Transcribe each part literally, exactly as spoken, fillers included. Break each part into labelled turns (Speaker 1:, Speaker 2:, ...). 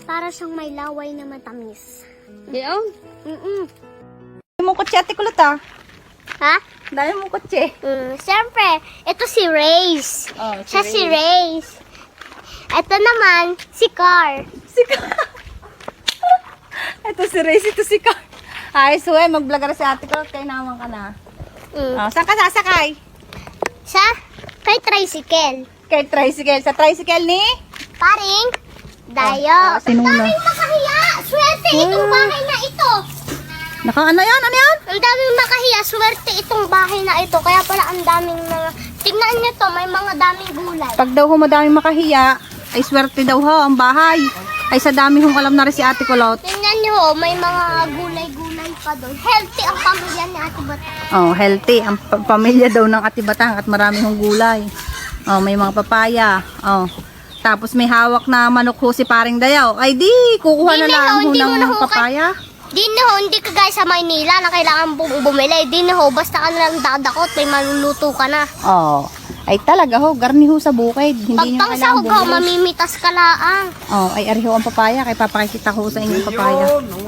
Speaker 1: Para siyang may laway na matamis.
Speaker 2: Diyan?
Speaker 1: Mm-mm.
Speaker 2: Dami mong kutsi, Ate Kulot, ah.
Speaker 1: Ha?
Speaker 2: Dami mong kutsi.
Speaker 1: Mm, siyempre, ito si Race.
Speaker 2: Oh,
Speaker 1: Siya si Race. Ito naman, si Car.
Speaker 2: Si Car. Ito si Race, ito si Car. Ay, so eh, mag-vlog ka na si Ate Kulot, kaya naman ka na.
Speaker 1: Mm.
Speaker 2: Oh, saan ka sasakay?
Speaker 1: Sa kay tricycle.
Speaker 2: Kay tricycle. Sa tricycle ni?
Speaker 1: Paring Dayo.
Speaker 2: Oh, sinuna.
Speaker 1: Ang daming makahiya. Swerte itong
Speaker 2: Oh.
Speaker 1: bahay na ito.
Speaker 2: Naka, ano yan? Ano yan?
Speaker 1: Ang daming makahiya. Swerte itong bahay na ito. Kaya pala ang daming mga... Tingnan niyo to, may mga daming gulay.
Speaker 2: Pag daw ho madaming makahiya, ay swerte daw ho ang bahay. Ay sa dami hong alam na rin si Ate Kulot.
Speaker 1: Tingnan niyo ho, may mga gulay-gulay pa doon. Healthy ang pamilya ni Ate Bata.
Speaker 2: Oh, healthy. Ang pa- pamilya daw ng Ate Batang at marami hong gulay. Oh, may mga papaya. Oh. Tapos may hawak na manok ho si Paring Dayaw. Ay di, kukuha
Speaker 1: Di,
Speaker 2: na
Speaker 1: Miho,
Speaker 2: lang ho
Speaker 1: hindi mo na
Speaker 2: ng
Speaker 1: ho
Speaker 2: papaya.
Speaker 1: Di na ho, hindi ka guys sa Maynila na kailangan bum- bumili. Di na ho, basta ka nalang dadakot, may maluluto ka na.
Speaker 2: Oh. Ay talaga ho, garni ho sa bukid. Hindi
Speaker 1: Pag
Speaker 2: nyo kailangan
Speaker 1: pangsahog ho,
Speaker 2: bumili.
Speaker 1: mamimitas ka laang.
Speaker 2: Oh, ay ari ho ang papaya. Kay papakikita ko sa inyong papaya.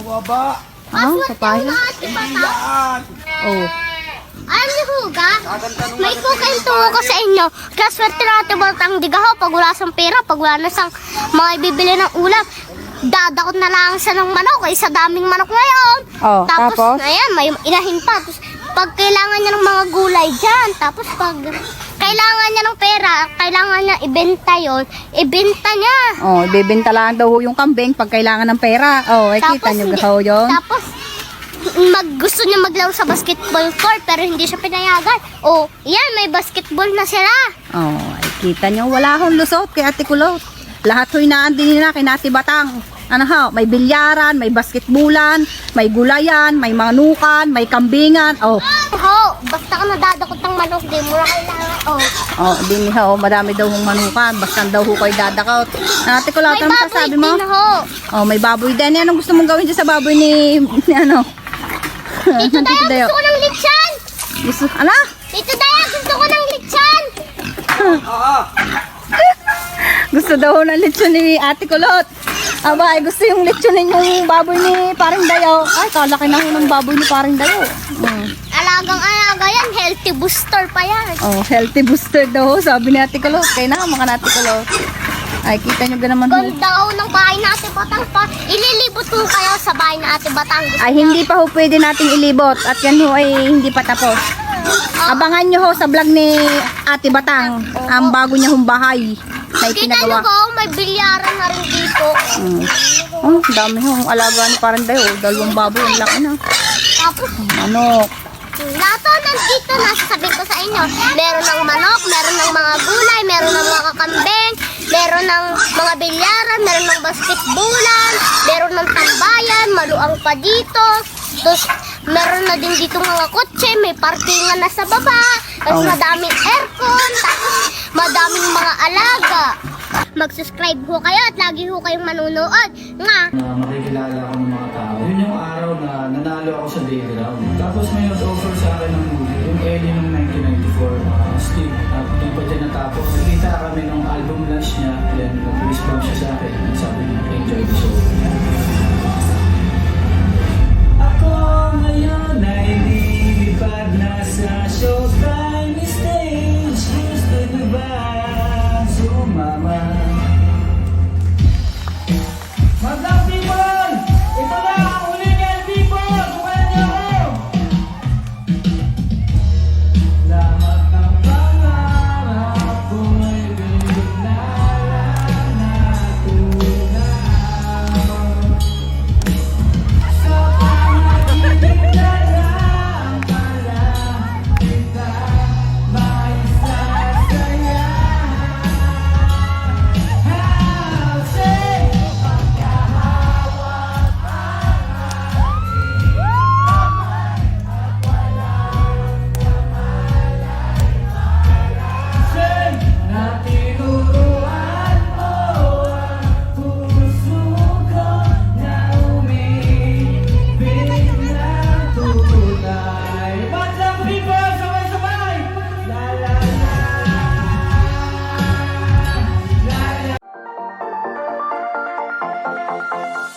Speaker 1: Ah,
Speaker 2: Oh,
Speaker 1: swerte
Speaker 2: papaya.
Speaker 1: ang Ate Bata.
Speaker 2: Oh.
Speaker 1: Alam niyo ho, ga? May kukwento ko sa inyo. Kaya swerte na Ate Bata ang diga ho, pag wala sang pera, pag wala na sang mga ibibili ng ulam. Dadakot na lang sa ng manok, ay sa daming manok ngayon.
Speaker 2: Oh, tapos?
Speaker 1: ayan, may inahin pa. Tapos, pag kailangan niya ng mga gulay dyan, tapos pag kailangan niya ng pera, kailangan niya ibenta yon, ibenta niya.
Speaker 2: Oh, ibebenta lang daw ho yung kambing pag kailangan ng pera. Oh, ay kita nyo
Speaker 1: hindi-
Speaker 2: ho yun.
Speaker 1: Tapos, mag, gusto niya maglaro sa basketball court, pero hindi siya pinayagan. Oh, yan, may basketball na sila.
Speaker 2: Oh, ay kita nyo, wala hong lusot kay Ate Kulot. Lahat ho'y naandin nila kay Ate Batang. Ano ho, may bilyaran, may basketbulan, may gulayan, may manukan, may kambingan. Oh,
Speaker 1: Ho, basta ka nadadakot ng manok, di mo na kailangan. Oh,
Speaker 2: oh, din ho, madami daw hong manukan. Basta daw ho kayo dadakaw. Ate Kulot,
Speaker 1: may
Speaker 2: ano
Speaker 1: baboy
Speaker 2: masasabi mo?
Speaker 1: din ho.
Speaker 2: Oh, may baboy din. Anong gusto mong gawin dyan sa baboy ni, ni ano?
Speaker 1: Tito
Speaker 2: Tito
Speaker 1: Daya,
Speaker 2: Dayo.
Speaker 1: gusto ko ng litsan.
Speaker 2: Gusto, ala?
Speaker 1: Tito Daya, gusto ko ng litsan.
Speaker 2: Gusto daw ho ng lechon ni Ate Kulot. Aba, ay gusto yung lechon ninyong baboy ni Paring Dayo. Ay, kalaki na ho ng baboy ni Paring Dayo. Mm.
Speaker 1: Alagang-alaga yan, healthy booster pa yan.
Speaker 2: Oh, healthy booster daw ho, sabi ni Ate Kulot. Kaya na, mga Ate Kulot. Ay, kita nyo ganaman ho.
Speaker 1: Ganda ho ng bahay na Ate Batang pa. Ililibot ko kayo sa bahay na Ate Batang. Gusto
Speaker 2: Ay, hindi pa ho pwede nating ilibot. At yan ho ay hindi pa tapos. Abangan nyo ho sa vlog ni Ate Batang. Ang bago niya hong bahay na
Speaker 1: Kita nyo
Speaker 2: ipinagawa.
Speaker 1: ko, may bilyaran na rin dito.
Speaker 2: Mm. Oh, dami ho. Ang alaga ni Paring Dayo. Dalawang baboy. Ang laki na.
Speaker 1: Tapos,
Speaker 2: Manok.
Speaker 1: lato nandito na, sasabihin ko sa inyo. Meron ng manok, meron ng mga gulay, meron ng mga kakambing, meron ng mga bilyaran, meron ng basketbulan, meron ng tambayan, maluang pa dito. Tapos, meron na din dito mga kotse, may parkingan na sa baba, tapos
Speaker 2: Oh.
Speaker 1: madaming aircon, tapos madaming mga alaga. Mag-subscribe ho kayo at lagi ho kayong manunood. Nga,
Speaker 3: na makikilala ako ng mga tao. Yun yung araw na nanalo ako sa day ground. Tapos may nag-offer sa akin ng movie, yung Ellie ng nineteen ninety-four, uh, Steve, at di pa din natapos. Nakita kami nung album launch niya, then nag-respond siya sa akin, and sabi niya, enjoy the show. Ako ngayon ay lilipad na sa Showtime stage. Gusto niyo ba sumama? Magandang people! Ito na ang huling L people! Bukayan niyo ako! Lahat ng pangarap ko ay bigla na
Speaker 1: Bye.